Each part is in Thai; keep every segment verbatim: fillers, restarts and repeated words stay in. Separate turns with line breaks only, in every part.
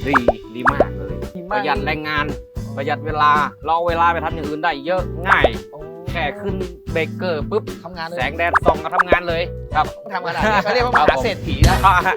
ดีดีมากเลยประหยัดแรงงานประหยัดเวลาเราเอาเวลาไปทำอย่างอื่นได้เยอะง่ายแค่ขึ้นเบรกเกอร์ปุ๊บ
ทำงานเลย
แสงแดดส่องก็ทำงานเลยครับ
ทำขนาดนี้เขาเรียกว่ามหาเศรษฐีนะ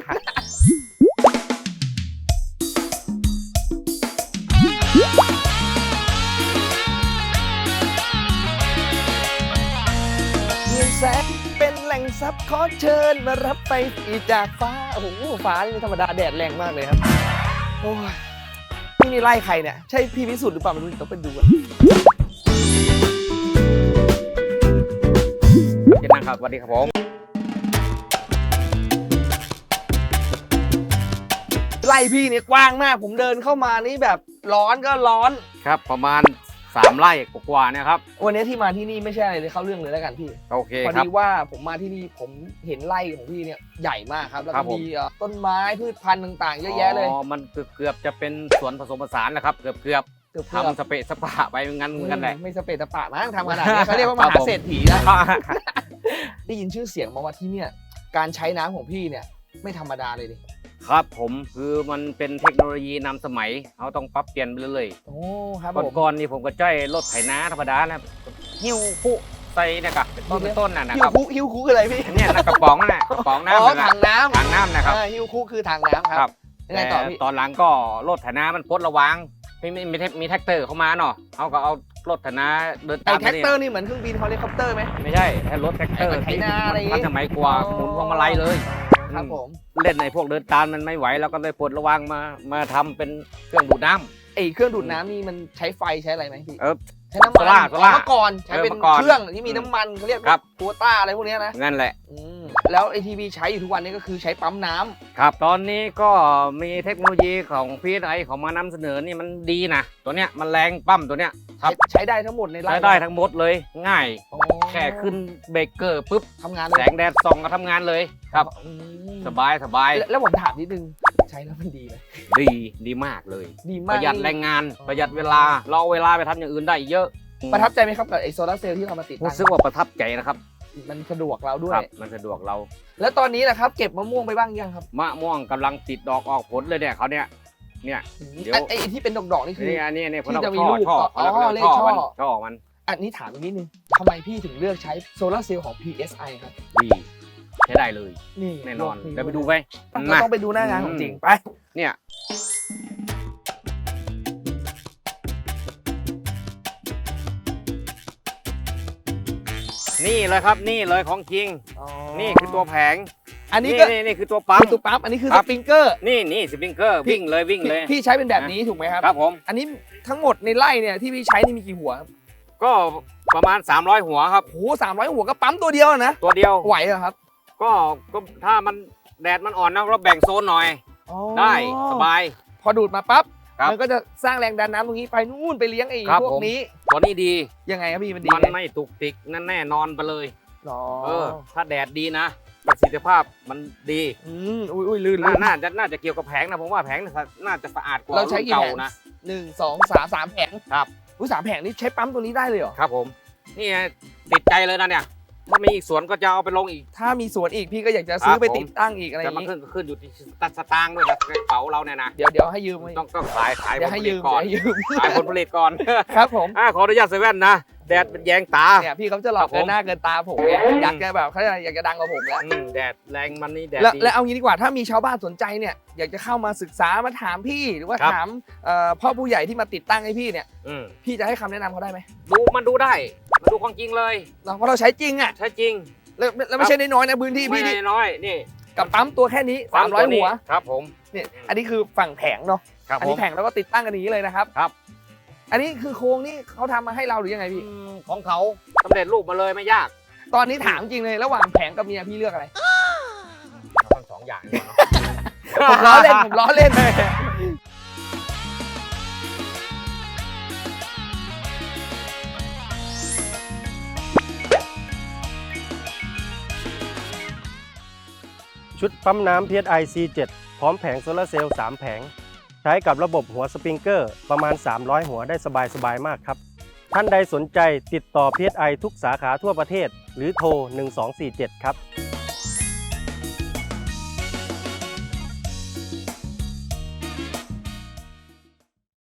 เงินแสนเป็นแหล่งทรัพย์ขอเชิญมารับไปอีจากฟ้าโอ้โหฟ้านี่ไม่ธรรมดาแดดแรงมากเลยครับโอ้ยนี่นี่ไล่ใครเนี่ยใช่พี่วิสุทธิ์หรือเปล่าไม่รู้ต้องไปดูอะ
เจนนะครับสวัสดีครับผม
ไล่พี่เนี่ยกว้างมากผมเดินเข้ามานี่แบบร้อนก็ร้อน
ครับประมาณสามไร่กว่าๆเนี่ยครับ
วันนี้ที่มาที่นี่ไม่ใช่อะไรเลยเข้าเรื่องเลยแล้วกันพี่
โอเค
พอ
ครับ
ดีว่าผมมาที่นี่ผมเห็นไร่ของพี่เนี่ยใหญ่มากครับแล้ว
ครั
ก็
บผม
มีเอ่อต้นไม้พืชพันธุ์ต่างๆเยอะแยะเลย
อ๋อมันเกือบจะเป็นสวนผสมผสานแหละครับเกือบเกือบ
เกือบ
ทำสเปะสปะไปงั้นเหมือนกันแหละ
ไม่สเปซสปะมั้งทำขนาดนี้เขาเรียกว่ามหาเศรษฐีนะได้ยินชื่อเสียงมาว่าที่เนี่ยการใช้น้ำของพี่เนี่ยไม่ธรรมดาเลยดิ
ครับผมคือมันเป็นเทคโนโลยีนำสมัยเขาต้องปรับเปลี่ยนไปเรื่อย
โอ้ครับ
ๆ
ผม
ก่อนๆนี่ผมก็จ้อยรถไถนาธรรมดานะหิ้วผู้ใส่เนะครับเป็นต้นเป็นต้นน่ะนะ
ฮิ
คว รับ
คุฮิวคุคืออะไรพี่
เนี่ยนะกระป๋องน่ะกระป๋อง
อ๋อ
น้ำนะ
ถังน้ำ
ถังน้ำนะครับ
อ่าฮิวคุคือถังน้ำค
ครั
รั
บบ
ยังไงต่อพี่
แต่ตอนหลังก็รถไถนามันพดระวังมีมีมีมีแท็กเตอร์เข้ามาเนาะเขาก็เอารถไถนาเดิน
ไอ้
ตาม
แท็กเตอร์นี่เหมือนเครื่องบินเฮลิคอปเตอร์ไหม
ไม่ใช่แค่รถแท็กเตอร์
ไอ้ไถนาอะไรอย่างงี้
ทันสมัยกว่าหมุนพวงมาลัยเลย
ครับผม
เล่นในพวกเดินตามมันไม่ไหวแล้วก็เลยปลดระวังมามาทำเป็นเครื่องดูดน้ำ
ไอ้เครื่องดูดน้ำนี่มันใช้ไฟใช้อะไรไหมพี่
เออ
ใช้น้ำมัน
โซล่าโซล่า
เมื่อก่อนใช้เป็น
เออเมื่อก่อน
เครื่องที่มีน้ำมันเขาเรียก
ครับ
ตัวต้าอะไรพวกเนี้ยนะ
นั่นแหละ
อืมแล้วไอทีวีใช้อยู่ทุกวันนี้ก็คือใช้ปั๊มน้ำ
ครับตอนนี้ก็มีเทคโนโลยีของพีไอเขามานำเสนอนี่มันดีนะตัวเนี้ยมันแรงปั๊มตัวเนี้ยครับ
ใช้ใช้ได้ทั้งหมดในไร่
ใช้ได้ทั้งหมดเลยง่าย
อ๋อ
แค่ขึ้นเบรกเกอร์ปุ๊บ
ทำงาน
แส
เลย
งแดดส่องก็ทำงานเลยครับ
อืม
สบายสบาย
แล้วแล้วผมถามนิดนึงใช้แล้วมันดีไหม
ดีดีมากเลย
ดี
ป
มาก
ระหยัดแรงงานประหยัดเวลาเราเอาเวลาไปทำอย่างอื่นได้เยอะ
ประทับใจไหมครับกับไอโซลาร์เซลล์ที่เรามาติดตั้
รู้
ง
สึกว่าประทับใจนะครับ
มันสะดวกเราด้ว
ค
ย
รับมันสะดวกเรา
แล้วตอนนี้นะครับเก็บมะม่วงไปบ้างยังครับ
มะม่วงกำลังติดดอกออกผลเลยเนี่ยเขาเนี่ยเนี่ย เดี๋ยว
ไอ้ไอ้ที่เป็นดอกๆนี่คือ
นี่อันนี้เนี่ย
ที่จะมี
ช่อ
ลูก
ช่อ
อ๋อ
เขา
เล
เรี
ข
ยก
ช่อ
ช่อมันช่อมัน
อันนี้ถามอีกนิดนึงทำไมพี่ถึงเลือกใช้โซลาร์เซลล์ของ พี เอส ไอ ครับ
ดีใช้ได้เลย
นี่
แน่นอน
นี่
เดี๋ยวไปดูไป
ต้อง
มา
ต้องไปดูหน้างานของจริงไป
เนี่ยนี่เลยครับนี่เลยของจริง นี่คือตัวแผง
อันนี้ก็
นี่นี่คือตัวปั๊ม
คือตัวปั๊มอันนี้คือ
ค
ส
รับ
ปริงเกอร์
นี่นี่สปริงเกอร์วิ่งเลยวิ่งเลย
พี่ใช้เป็นแบบนี้ถูกไหมครับ
ครับผม
อันนี้ทั้งหมดในไร่เนี่ยที่พี่ใช้นี่มีกี่หัวครับ
ก็ประมาณสามร้อยหัวครับ
โอ้โหสามร้อยหัวก็ปั๊มตัวเดียวนะ
ตัวเดียว
ไหวเหรอครับ
ก็ก็ถ้ามันแดดมันอ่อนนะเราแบ่งโซนหน่อย
อ๋อ
ได้สบาย
พอดูดมาปั๊บ
ครับ
มันก็จะสร้างแรงดันน้ำตรงนี้ไปนู่นไปเลี้ยงไอ้
ครับ
พวก
ผม
นี้
ตัวนี้ดี
ยังไงครับพี่มันดี
มัน
ไง
ไม่ตุกติกนั่นแน่นอนไปเลย
อ๋อ
เออ ถ้าแดดดีนะประสิทธิภาพมันดี
อืมอุ้ยอุ้ยลื่น
น่า
ลื่น
น่าจะน่าจะเกี่ยวกับแผงนะผมว่าแผงน่าน่าจะสะอาดกว่า
เราใช้
รุ่น
กี่
เก่า
แผง
นะ
หนึ่งสองสามสามแผง
ครับ
อุ้ยสามแผงนี่ใช้ปั๊มตัวนี้ได้เลยเหรอ
ครับผม นี่ไงติดใจเลยนะเนี่ยถ้ามีอีกสวนก็จะเอาไปลงอีก
ถ้ามีสวนอีกพี่ก็อยากจะซื้อ
ครับ
ไป
ผม
ติดตั้งอีกอะไรอ
แต่
ย่าง
มัน
นี้
ขึ้นขึ้นอยู่ที่ตัดสตางค์ด้วยนะกระเป๋าเราเนี่ยนะ
เดี๋ยวเดี๋ยวให้ยืม
ต้องต้องขายขายผ
เดี๋ยว
ล
ให้
ผลิ
ยื
ต
ม
ก่อน
เดี๋ยวให้ยืม
ขายผลผลิตก่อน
ครับผม
อ่าขออนุญาตเซเว่นนะแดดเป็นแยงตา
เนี่ยพี่เขาจะหลอก
ครับผม
เกินหน้าเกินตาผมไงอยากจะแบบเขาอยากจะดังกว่าผมแล้ว
อืมแดดแรงมันนี่แดด
แล้ว
ดี
แล้วเอางี้ดีกว่าถ้ามีชาวบ้านสนใจเนี่ยอยากจะเข้ามาศึกษามาถามพี่หรือว่า
ครับ
ถามเอ่อพ่อผู้ใหญ่ที่มาติดตั้งให้พี่เนี่ย
อืม
พี่จะให้คำแนะนำเขาได้ไหม
ดูมันดูได้มันดูของจริงเลย
เพราะเราใช้จริงอ่ะ
ใช่จริง
แล้วแล้วไม่ใช่น้อยๆนะพื้นที่
ไม่
พี่นี่
น้อยนี่
กับปั๊มตัวแค่นี้สามร้อย
ตัวนี้
หัว
ครับผม
เนี่ยอันนี้คือฝั่งแผงเนาะ
ครับ
อัน
ผ
นี้
ม
แผงแล้วก็ติดตั้งกันอย่างนี้เลยนะครับ
ครับ
อันนี้คือโครงนี่เขาทำมาให้เราหรือยังไงพี่
อืมของเขาสำเร็จรูปมาเลยไม่ยาก
ตอนนี้ถามจริงเลยระหว่างแผงกับเมียพี่เลือกอะไร
ทั้งสองอย่างเลยเนาะ
ผมล้อเล่นผมล้อเล่น
ชุดปั๊มน้ำ พี เอส ไอ ซี เจ็ด พร้อมแผงโซลาร์เซลล์ สาม แผง ใช้กับระบบหัวสปริงเกอร์ประมาณ สามร้อย หัวได้สบายๆมากครับ ท่านใดสนใจติดต่อ พี เอส ไอ ทุกสาขาทั่วประเทศ หรือโทร หนึ่งสองสี่เจ็ด ครับ